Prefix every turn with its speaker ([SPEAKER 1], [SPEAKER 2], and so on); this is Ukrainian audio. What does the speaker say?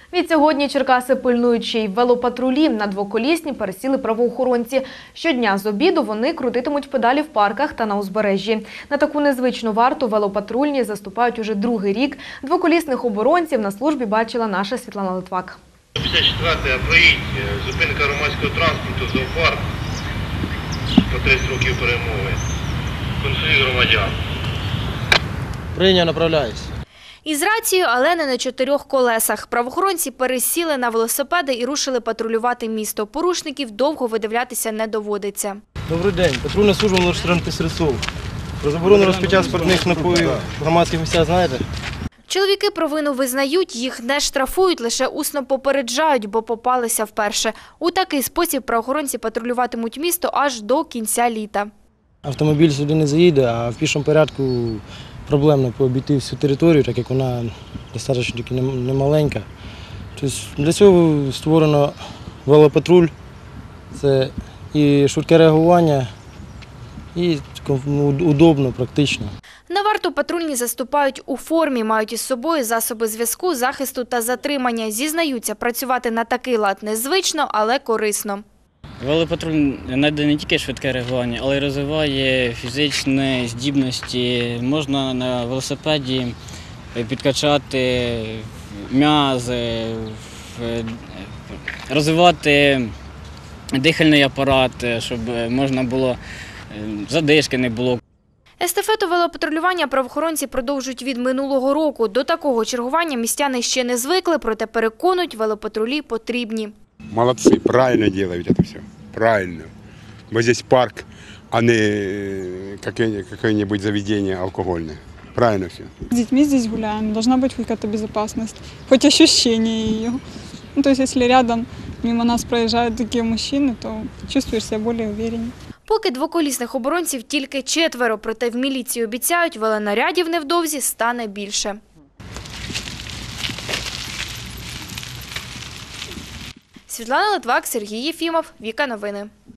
[SPEAKER 1] Відсьогодні Черкаси пильнують ще й велопатрулі. На двоколісні пересіли правоохоронці. Щодня з обіду вони крутитимуть педалі в парках та на узбережжі. На таку незвичну варту велопатрульні заступають уже другий рік. Двоколісних оборонців на службі бачила наша Світлана Литвак.
[SPEAKER 2] 54-й проїзд, зупинка громадського транспорту, зоопарк, по 30 років перемови, конфлікт громадян.
[SPEAKER 3] Прийняв, направляюсь.
[SPEAKER 4] Із рацією, але не на 4 колесах. Правоохоронці пересіли на велосипеди і рушили патрулювати місто. Порушників довго видивлятися не доводиться.
[SPEAKER 3] Добрий день. Патрульна служба номер 14 Стрельцов. Про заборону розпиття спиртних напоїв в громадських місцях знаєте?
[SPEAKER 4] Чоловіки провину визнають, їх не штрафують, лише усно попереджають, бо попалися вперше. У такий спосіб правоохоронці патрулюватимуть місто аж до кінця літа.
[SPEAKER 3] Автомобіль сюди не заїде, а в пішому порядку проблемно обійти всю територію, так як вона достатньо немаленька. Тобто для цього створено велопатруль, це і швидке реагування, і удобно, практично.
[SPEAKER 4] На варту патрульні заступають у формі, мають із собою засоби зв'язку, захисту та затримання. Зізнаються, працювати на такий лад незвично, але корисно.
[SPEAKER 5] Велопатруль надає не тільки швидке реагування, але й розвиває фізичні здібності. Можна на велосипеді підкачати м'язи, розвивати дихальний апарат, щоб можна було, задишки не було.
[SPEAKER 4] Естафету велопатрулювання правоохоронці продовжують від минулого року. До такого чергування містяни ще не звикли, проте переконують, велопатрулі потрібні.
[SPEAKER 6] Молодцы, правильно делают это все, правильно. Вот здесь парк, а не какое-нибудь заведение алкогольное. Правильно все.
[SPEAKER 7] С детьми здесь гуляем, должна быть хоть какая-то безопасность, хоть ощущение ее. Ну, то есть, если рядом мимо нас проезжают такие мужчины, то чувствуешь себя более увереннее.
[SPEAKER 4] Поки двоколісних оборонців тільки 4, проте в міліції обіцяють, велонарядів невдовзі стане більше. Світлана Литвак, Сергій Єфімов, Віка Новини.